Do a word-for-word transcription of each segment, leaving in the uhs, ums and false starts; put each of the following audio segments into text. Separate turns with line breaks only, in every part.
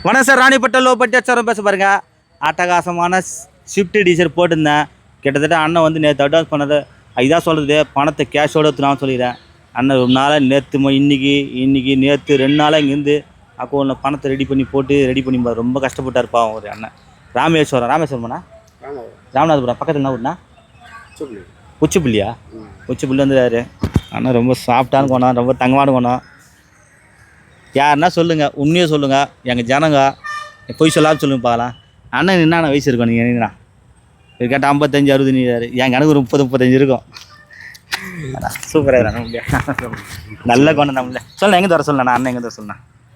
வணக்கம் sir, Ranipet low budget sir பேச பாருங்க. அட்டகாசமான ஷிஃப்ட் டீசர் போட்டிருந்தேன். கிட்டத்தட்ட அண்ணன் வந்து நேற்று அட்வான்ஸ் பண்ணது இதான் சொல்கிறது, பணத்தை கேஷோடு எடுத்துனான்னு சொல்லிடுறேன். அண்ணன் ஒரு நாளாக நேற்று இன்னைக்கு இன்னைக்கு நேற்று ரெண்டு நாளாக இங்கேருந்து அக்கௌண்ட்டில் பணத்தை ரெடி பண்ணி போட்டு ரெடி பண்ணி ரொம்ப கஷ்டப்பட்டார் பாவம் ஒரு அண்ணன். ராமேஸ்வரம் ராமேஸ்வரம்ண்ணா ராமநாதபுரம் பக்கத்தில் என்ன ஊர்ண்ணா? உச்சிப்புள்ளியா? உச்சிப்புள்ளி வந்துடுறாரு அண்ணன். ரொம்ப சாஃப்டான கோணம், ரொம்ப தங்கமான கோணம். யாருன்னா சொல்லுங்கள், உண்மையாக சொல்லுங்கள். எங்கள் ஜனங்க பொய் சொல்லாமல் சொல்லுங்க பார்க்கலாம். அண்ணன் என்னென்ன வயசு இருக்கும் நீங்கள் என்னண்ணா? இது கேட்டால் ஐம்பத்தஞ்சு அறுபது நீராரு. என் கணக்கு ஒரு முப்பது முப்பத்தஞ்சு இருக்கும். சூப்பராக நம்மளே நல்ல கோணம் நம்மளே. சொல்ல எங்கே தர சொல்லண்ணா? அண்ணன் எங்கே தர சொல்லண்ணா?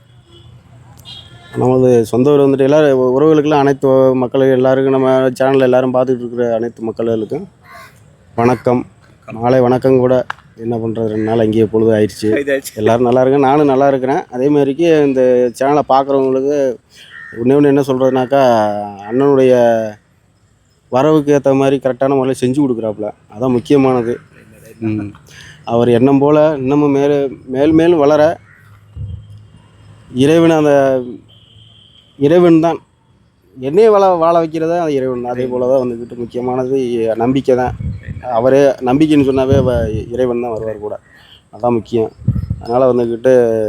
நமது சொந்த ஊர் வந்துட்டு எல்லோரும் உறவுகளுக்கெல்லாம் அனைத்து மக்களுக்கு எல்லாருக்கும் நம்ம சேனலில் எல்லோரும் பார்த்துட்டு இருக்கிற அனைத்து மக்களுக்கும் வணக்கம். நாளை வணக்கம் கூட என்ன பண்ணுறது, ரெண்டு நாள் அங்கேயே பொழுது ஆயிடுச்சு. எல்லோரும் நல்லா இருக்கேன், நானும் நல்லா இருக்கிறேன். அதே மாதிரிக்கு இந்த சேனலை பார்க்குறவங்களுக்கு ஒன்று ஒன்று என்ன சொல்கிறதுனாக்கா, அண்ணனுடைய வரவுக்கு ஏற்ற மாதிரி கரெக்டான முறையில் செஞ்சு கொடுக்குறாப்புல, அதான் முக்கியமானது. அவர் எண்ணம் போல் இன்னமும் மேலே மேல் மேலும் வளர இறைவன் அந்த இறைவன் தான் என்னையே வாழ வாழ வைக்கிறதா அது இறைவன் தான். அதே போல் தான் வந்துக்கிட்டு முக்கியமானது நம்பிக்கை தான். அவரே நம்பிக்கைன்னு சொன்னாவே இறைவன் தான் வருவார் கூட, அதுதான் முக்கியம். அதனால் வந்துக்கிட்டு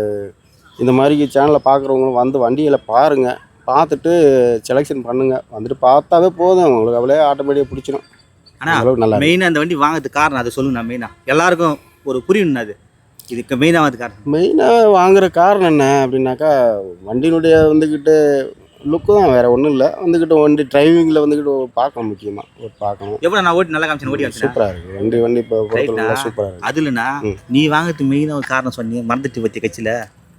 இந்த மாதிரி சேனலில் பார்க்குறவங்களும் வந்து வண்டியில் பாருங்கள், பார்த்துட்டு செலெக்ஷன் பண்ணுங்கள். வந்துட்டு பார்த்தாவே போதும், உங்களுக்கு அவளே ஆட்டோமேட்டிக்காக பிடிச்சிடும்.
ஆனால் நல்லா மெயினாக அந்த வண்டி வாங்கிறதுக்கு காரணம் அதை சொல்லுங்கண்ணா. மெயினாக எல்லாருக்கும் ஒரு புரியணும், அது இதுக்கு மெயினாக வந்து காரணம்
மெயினாக வாங்குகிற காரணம் என்ன அப்படின்னாக்கா, வண்டியினுடைய வந்துக்கிட்டு லுக்கு தான், வேறு ஒன்றும் இல்லை. வந்துக்கிட்டு வண்டி டிரைவிங்கில் வந்துக்கிட்டு பார்க்கணும், முக்கியமாக ஒரு பார்க்கணும்.
எவ்வளோ நான் ஓட்டி நல்லா காமிச்சேன், ஓட்டி
சூப்பராக இருக்குது வண்டி. வண்டி இப்போ சூப்பராக இருக்குது.
அதுலண்ணா நீ வாங்கிறதுக்கு மெயினாக ஒரு காரணம் சொன்னீங்க, மறந்துட்டு பற்றி கட்சியில்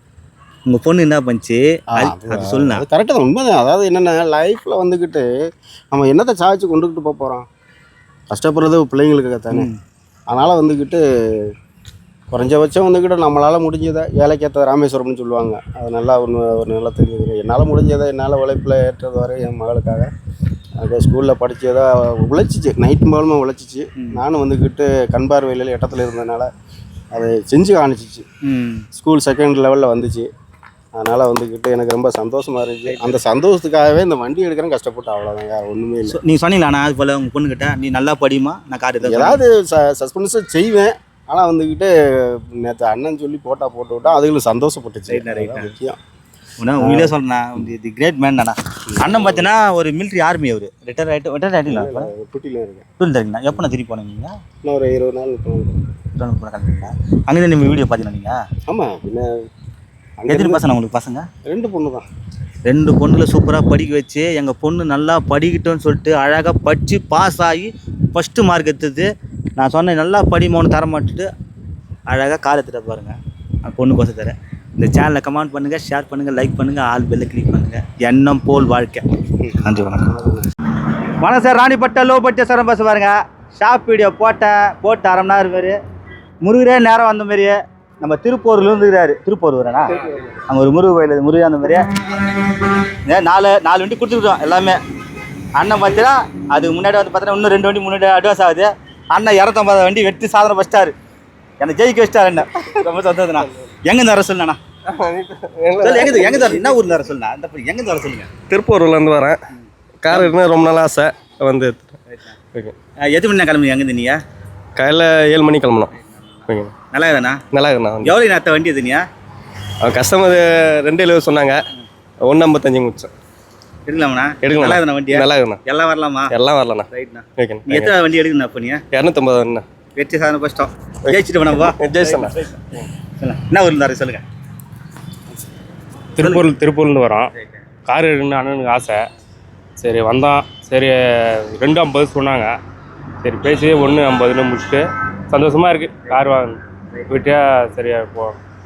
உங்கள் பொண்ணு என்ன பண்ணிச்சு அது சொல்லுண்ணா.
அது கரெக்டாக தான், உண்மை தான். அதாவது என்னென்னா, லைஃப்பில் வந்துக்கிட்டு நம்ம என்னத்தை சாதிச்சு கொண்டுக்கிட்டு போக போகிறோம், கஷ்டப்படுறது பிள்ளைங்களுக்கு தானே. அதனால் வந்துக்கிட்டு குறைஞ்சபட்சம் வந்துக்கிட்டு நம்மளால் முடிஞ்சதை, ஏழைக்கேற்ற ராமேஸ்வரம்னு சொல்லுவாங்க, அது நல்லா ஒன்று ஒரு நல்லா தெரிஞ்சுக்கிறேன். என்னால் முடிஞ்சதை என்னால் உழைப்பில் ஏற்றது வரை என் மகளுக்காக அது ஸ்கூலில் படித்ததா உழைச்சிச்சு, நைட்டு மூலமாக உழைச்சிச்சு. நானும் வந்துக்கிட்டு கண் பார்வையில் இடத்துல இருந்ததுனால அதை செஞ்சு காணிச்சிச்சு. ஸ்கூல் செகண்ட் லெவலில் வந்துச்சு. அதனால் வந்துக்கிட்டு எனக்கு ரொம்ப சந்தோஷமாக இருந்துச்சு. அந்த சந்தோஷத்துக்காகவே இந்த வண்டி எடுக்கிறேன், கஷ்டப்பட்டு, அவ்வளோதாங்க, ஒன்றுமே இல்லை.
நீங்கள் சொன்னீங்களா அது போல் உங்கள் பொண்ணுக்கிட்ட நீ நல்லா படிமா, நான் காட்டு
ஏதாவது ச சஸ்பென்ஸை செய்வேன். ஆனால் வந்துக்கிட்டு நேற்று அண்ணன் சொல்லி போட்டால் போட்டு விட்டா அதுகளும் சந்தோஷப்பட்டுச்சு. முக்கியம்
உண்மையிலே சொல்கிறேன், தி கிரேட் மேன் தானே அண்ணன். பார்த்தீங்கன்னா ஒரு மிலிட்ரி ஆர்மி, அவர் ரிட்டையர் ஆகிட்டு ரிட்டையர் ஆகிட்டீங்களா?
டூட்டியில் இருக்கேன்.
டூட்டில் இருக்கீங்களா? எப்போ நான் திருப்பி போனீங்க?
இன்னும் ஒரு இருபது நாள்
கிளம்பிங்களா? அங்கே நீங்கள் வீடியோ பார்த்தீங்கன்னா நீங்கள்?
ஆமாம், பின்ன
எத்தனை பசங்க உங்களுக்கு? பசங்க
ரெண்டு பொண்ணு தான்.
ரெண்டு பொண்ணுல சூப்பராக படிக்க வச்சு, எங்கள் பொண்ணு நல்லா படிக்கட்டும்னு சொல்லிட்டு அழகாக படித்து பாஸ் ஆகி ஃபஸ்ட்டு மார்க் எடுத்தது. நான் சொன்னேன் நல்லா படிமோன்னு தர மாட்டுட்டு அழகாக கால் எடுத்துகிட்டு பாருங்கள், அந்த பொண்ணு கோசம் தரேன். இந்த சேனலை கமெண்ட் பண்ணுங்கள், ஷேர் பண்ணுங்கள், லைக் பண்ணுங்கள், ஆல் பெல்லை கிளிக் பண்ணுங்கள். எண்ணம் போல் வாழ்க்கை. நன்றி, வணக்கம். வணக்கம் sir, Ranipet low budget sir பேச பாருங்க. ஷாப் வீடியோ போட்டேன், போட்டு அரை மணி நேரம் மாரி முருகரே நேரம் வந்த மாதிரியே நம்ம திருப்பூரில் இருந்துக்கிறாரு. திருப்பூர் வரேண்ணா, அங்கே ஒரு முருகு கோயில், முருகன் அந்த மாதிரியே நாலு நாலு வண்டி கொடுத்துருக்கோம் எல்லாமே. அண்ணன் பார்த்தீங்கன்னா அதுக்கு முன்னாடி வந்து பார்த்தீங்கன்னா இன்னும் ரெண்டு வண்டி முன்னாடி அட்வான்ஸ் ஆகுது. அண்ணன் இரநூத்தம்பது வண்டி வெட்டி சாதனை ஃபஸ்ட்டாரு, என்னை ஜெயிக்க வச்சிட்டாரு. என்ன ரொம்ப சந்தோஷம்ண்ணா. எங்கேருந்து வர சொல்லுண்ணா? சொல்லு, எங்கே எங்கே தர என்ன ஊரில் வர சொல்லுண்ணா? அந்த எங்கேருந்து வர சொல்லுங்கள்?
திருப்பூர்லேருந்து வரேன். கார் இருந்தால் ரொம்ப நாள் ஆசை வந்து.
ஓகே, எத்தனை மணி கிளம்புங்க? எங்கேருந்து நீங்கள்?
காலையில் ஏழு மணி கிளம்பணும். ஓகே,
நல்லா இருக்குண்ணா. நல்லா இருக்குண்ணா. எவ்வளோ நேரத்தை வண்டி எதுனியா? கஸ்டமர்
ரெண்டு எழுபது சொன்னாங்க, ஒன்று ஐம்பத்தஞ்சு முடிச்சேன்.
எடுக்கலாம்ண்ணா? எடுக்கலாம். நல்லா இருக்குண்ணா வண்டி? நல்லா இருக்குண்ணா. எல்லாம் வரலாமா? எல்லாம் வரலாண்ணா. ரைட்ண்ணா. ஓகே, எத்தனை வண்டி எடுக்கணுண்ணா இப்போ நீங்கள்? இரநூத்தம்பது வண்டிண்ணா. வெற்றி சாதனை ஃபஸ்ட்டோம் ஜெயிச்சுட்டு வேணாப்பா. ஜெயிச்சண்ணா. என்ன ஊரில் இருந்தாரு சொல்லுங்கள்?
திருப்பூர் திருப்பூர்லேருந்து வரோம். கார் எடுக்கணும்னு அண்ணனுக்கு ஆசை. சரி வந்தோம். சரி ரெண்டு ஐம்பது சொன்னாங்க. சரி பேசி ஒன்று ஐம்பதுன்னு முடிச்சுட்டு சந்தோஷமாக இருக்குது. கார் வாங்க விட்டியா சரியா போ.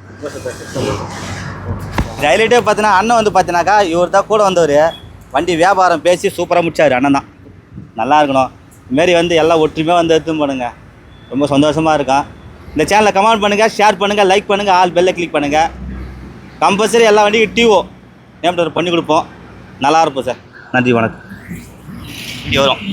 ஹைலைட்டே பார்த்தீங்கன்னா அண்ணன் வந்து பார்த்தீங்கன்னாக்கா இவர் தான் கூட வந்தவர். வண்டி வியாபாரம் பேசி சூப்பராக முடிச்சார். அண்ணன் தான் நல்லா இருக்கணும். இதுமாரி வந்து எல்லாம் ஒற்றுமையாக வந்து எடுத்து பண்ணுங்க, ரொம்ப சந்தோஷமாக இருக்கும். இந்த சேனலை கமெண்ட் பண்ணுங்கள், ஷேர் பண்ணுங்கள், லைக் பண்ணுங்கள், ஆல் பெல்லை கிளிக் பண்ணுங்கள். கம்பல்சரி எல்லா வண்டிக்கும் டிஓ நேம் பண்ணி கொடுப்போம். நல்லா இருப்போம் சார். நன்றி, வணக்கம். வீடியோ வரும்.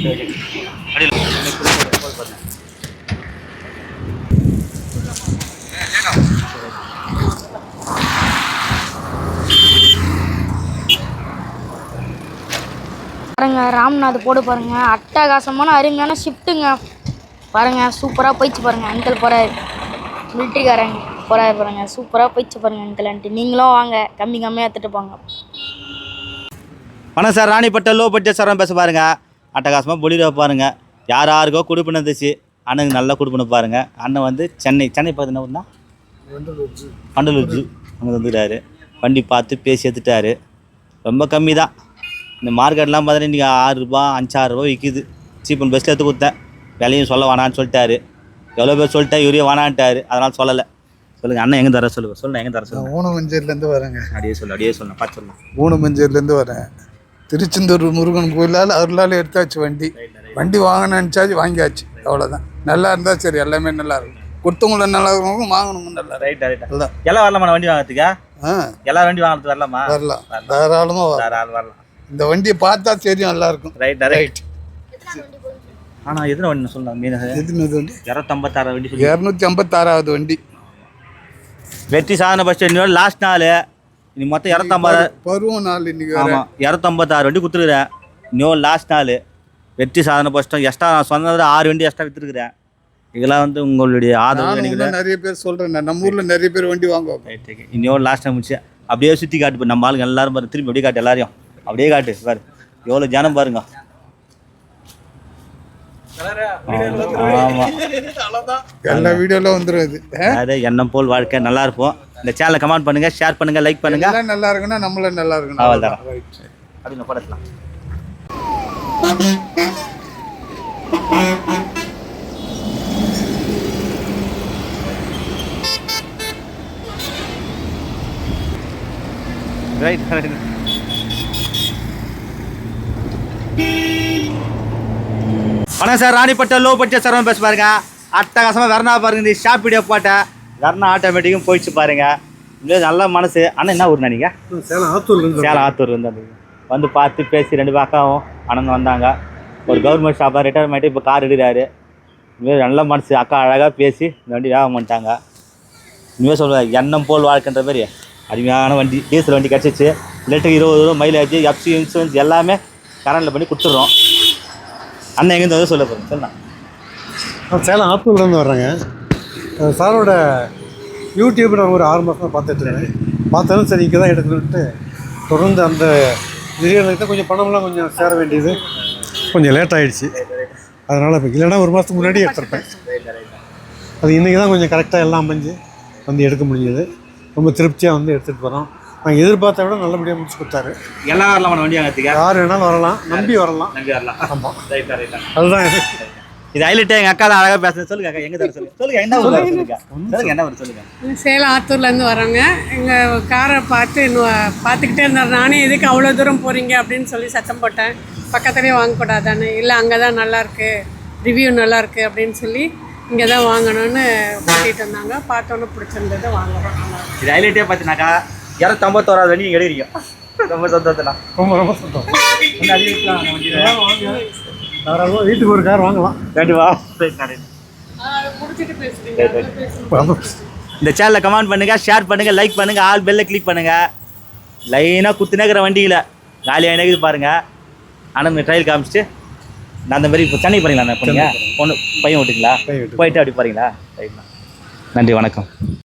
ராம்நாத் போடு பாருங்க, அட்டகாசமான அருமையான ஷிஃப்ட்டுங்க பாருங்க. சூப்பராக போயிடுச்சு பாருங்க. அங்கிள் போகிறாரு, மிலிட்ரிக்காரங்க போகிறாரு பாருங்க. சூப்பராக போயிடுச்சு பாருங்க அங்கிள் ஆண்டி. நீங்களும் வாங்க, கம்மி கம்மியாக எடுத்துகிட்டு போங்க.
வணக்கம் சார், ராணிப்பட்ட லோ பட்ஜெட் சாரம் பேச பாருங்க. அட்டகாசமாக பொலிரோ பாருங்க. யார் யாருக்கோ கொடுப்புன்னு இருந்துச்சு, அண்ணனுக்கு நல்லா கொடுப்புன்னு பாருங்க. அண்ணன் வந்து சென்னை சென்னை பார்த்து என்ன பண்டலூர் ஜூ அங்கே வந்துட்டாரு. வண்டி பார்த்து பேசி எடுத்துட்டாரு. ரொம்ப கம்மி தான். இந்த மார்க்கெட்லாம் பார்த்தீங்கன்னா இன்றைக்கி ஆறு ரூபா அஞ்சாறு ரூபா விற்கிது. சீப் அண்ட் பெஸ்ட்டில் எடுத்து கொடுத்தேன். விலையும் சொல்ல வேணான்னு சொல்லிட்டாரு. எவ்வளோ பேர் சொல்லிட்டேன், இவரே வேணான்ட்டாரு. அதனால் சொல்லலை. சொல்லுங்கள் அண்ணன் எங்கே தர சொல்லுங்கள். சொல்லுங்கள் எங்கே தர சொல்லுங்கள்.
ஊனமஞ்சேரிலேருந்து வரேங்க.
அப்படியே சொல்லு அப்படியே சொல்லணும் பார்த்து சொல்லலாம்.
ஊனமஞ்சேரிலேருந்து வரேன். திருச்செந்தூர் முருகன் கோயிலால் அருளால் எடுத்தாச்சு வண்டி. வண்டி வாங்கினாச்சு, வாங்கியாச்சு. அவ்வளோதான். நல்லா இருந்தால் சரி, எல்லாமே நல்லா இருக்கும். கொடுத்தவங்கள நல்லா இருக்கணும், வாங்கணும் நல்லா.
ரைட் ரைட் எல்லாம் எல்லாம் வரலாமா வண்டி வாங்கிறதுக்கா?
ஆ
எல்லா வண்டி வாங்குறது வரலாமா?
வரலாம், தாராளமாக வரலாம்.
தாராளம் வரலாம்.
இந்த வண்டியை பார்த்தா தெரியும், நல்லா இருக்கும்.
Right right. ஆனால் எத்தனை வண்டி சொல்லலாம்? மீன்
எதுனது வண்டி?
இரநூத்தம்பத்தாறு வண்டி சொல்லி
இரநூத்தி ஐம்பத்தாறாவது வண்டி.
வெற்றி சாதனை பஸ் இன்னொரு லாஸ்ட் நாள். நீ மொத்தம் இரநூத்தம்பது
பருவம் நாள் இன்னைக்கு.
ஆமாம், இரநூத்தம்பத்தாறு வண்டி கொடுத்துருக்குறேன். இன்னொரு லாஸ்ட் நாள் வெற்றி சாதனை பஸ்ட்டும் எக்ஸ்ட்ரா நான் சொன்னது ஆறு வண்டி எக்ஸ்ட்ரா விற்றுருக்குறேன். இதெல்லாம் வந்து உங்களுடைய ஆதரவு நினைக்கிறேன்.
நிறைய பேர் சொல்கிறேன், நம்ம ஊரில் நிறைய பேர் வண்டி வாங்குவாங்க.
ரைட். இன்னொரு லாஸ்ட் டைம் முடிச்சு அப்படியே சுற்றி காட்டு. இப்போ நம்ம ஆளுங்க எல்லாரும் பாரு, திரும்பி அப்படியே காட்டு, எல்லாரையும் அப்படியே காட்டு பாரு. எவ்வளோ ஜனம் பாருங்க. ஆமாம்,
எல்லா வீடியோவில் வந்துடும் இது.
அது எண்ணம் போல் வாழ்க்கை. நல்லா இருப்போம். இந்த சேனலை கமெண்ட் பண்ணுங்கள், ஷேர் பண்ணுங்கள், லைக் பண்ணுங்கள்.
எல்லாம் நல்லா இருக்குன்னா நம்மளும் நல்லா இருக்கணும்.
அவ்வளோதான். அப்படின்னு படக்கலாம். Right right. வணக்கம் sir, Ranipet low budget sir பேச பாருங்க. அட்டகாசமாக வெர்னா பாருங்க. இந்த ஷாப் வீடியோ போட்டேன். வெர்னா ஆட்டோமேட்டிக்கும் போயிடுச்சு பாருங்க. இன்னும் நல்ல மனசு. அண்ணன் என்ன ஊர் நினைங்க?
சேலம் ஆத்தூர்லேருந்து.
சேலம் ஆத்தூர் வந்து வந்து பார்த்து பேசி ரெண்டு அக்காவும் அண்ணன் வந்தாங்க. ஒரு கவர்மெண்ட் ஷாப்பாக ரிட்டையர் பண்ணிட்டு இப்போ கார் எடுக்கிறாரு. இனிமேல் நல்ல மனசு. அக்கா அழகாக பேசி இந்த வண்டி வேகம் பண்ணிட்டாங்க. இனிமேல் சொல்லுவேன் எண்ணம் போல் வாழ்க்கைன்ற மாதிரி அருமையான வண்டி. டீசல் வண்டி கிடச்சிச்சு. லிட்டருக்கு இருபது ரூபா மைலேஜ், எஃப்சி இன்சூரன்ஸ் எல்லாமே கரண்டில் பண்ணி கொடுத்துட்றோம். அண்ணன் எங்கேருந்து வந்து சொல்ல போகிறேன் சொல்லலாம்.
நான் சேலம் ஆத்தூர்லேருந்து வர்றேங்க. சாரோட யூடியூப் நான் ஒரு ஆறு மாதம் பார்த்துட்ருக்கேன். பார்த்தாலும் சரி இங்கே தான் எடுக்கணுன்ட்டு தொடர்ந்து அந்த நிறுவனத்தை கொஞ்சம் பணம்லாம் கொஞ்சம் சேர வேண்டியது கொஞ்சம் லேட் ஆகிடுச்சு. அதனால் இப்போ இல்லைன்னா ஒரு மாதத்துக்கு முன்னாடி எடுத்துருப்பேன். அது இன்றைக்கி தான் கொஞ்சம் கரெக்டாக எல்லாம் அமைஞ்சு வந்து எடுக்க முடிஞ்சது. ரொம்ப திருப்தியாக வந்து எடுத்துகிட்டு போகிறோம். நாங்கள் எதிர்பார்த்த விட நல்லபடியாக முடிச்சு கொடுத்தாரு.
எல்லாம் வரலாம் வண்டி வாங்கிறதுக்கு.
யார் வேணாலும் வரலாம், நம்பி வரலாம்.
நம்பி வரலாம்.
ஆமாம்,
ரைட்டா ரைட்டா.
அதுதான்
இது ஹைலைட். எங்கள் அக்கா தான் அழகாக பேசுகிறேன். சொல்லுங்க அக்கா, எங்கே தர சொல்லுங்க. சொல்லுங்க என்ன ஊர் சொல்லுங்க. சொல்லுங்க என்ன ஊர் சொல்லுங்க.
சேலம் ஆத்தூர்லேருந்து வரோங்க. எங்கள் காரை பார்த்து இன்னும் பார்த்துக்கிட்டே இருந்தார். நானே எதுக்கு அவ்வளோ தூரம் போகிறீங்க அப்படின்னு சொல்லி சத்தம் போட்டேன். பக்கத்துலேயே வாங்கக்கூடாதானே. இல்லை அங்கே தான் நல்லாயிருக்கு, ரிவ்யூ நல்லாயிருக்கு அப்படின்னு சொல்லி இங்கே தான் வாங்கணும்னு கூட்டிகிட்டு வந்தாங்க. பார்த்தோன்னே பிடிச்சிருந்தது, வாங்குறோம்.
இது ஹைலைட்டே பார்த்தினாக்கா இரநூத்தம்பத்தோராது வண்டி நீங்கள் எடுக்கிறீங்க. ரொம்ப சந்தோஷம்.
ரொம்ப ரொம்ப சந்தோஷம். தாராளமாக வீட்டுக்கு ஒரு கார் வாங்கலாம்.
கண்டிப்பா.
பிடிச்சிட்டு பேசுகிறீங்க.
இந்த சேனலை கமெண்ட் பண்ணுங்கள், ஷேர் பண்ணுங்கள், லைக் பண்ணுங்கள், ஆல் பெல்லை கிளிக் பண்ணுங்கள். லைனாக குத்துனேக்கிற வண்டியில் காலியாக இருக்குது பாருங்கள். ஆனால் ட்ரையல் காமிச்சிட்டு நான் அந்த மாதிரி இப்போ சென்னை போகிறீங்களா? நான் போனீங்க பொண்ணு பையன் விட்டுங்களா? போயிட்டு அப்படி போகிறீங்களா? ரைட்ண்ணா, நன்றி, வணக்கம்.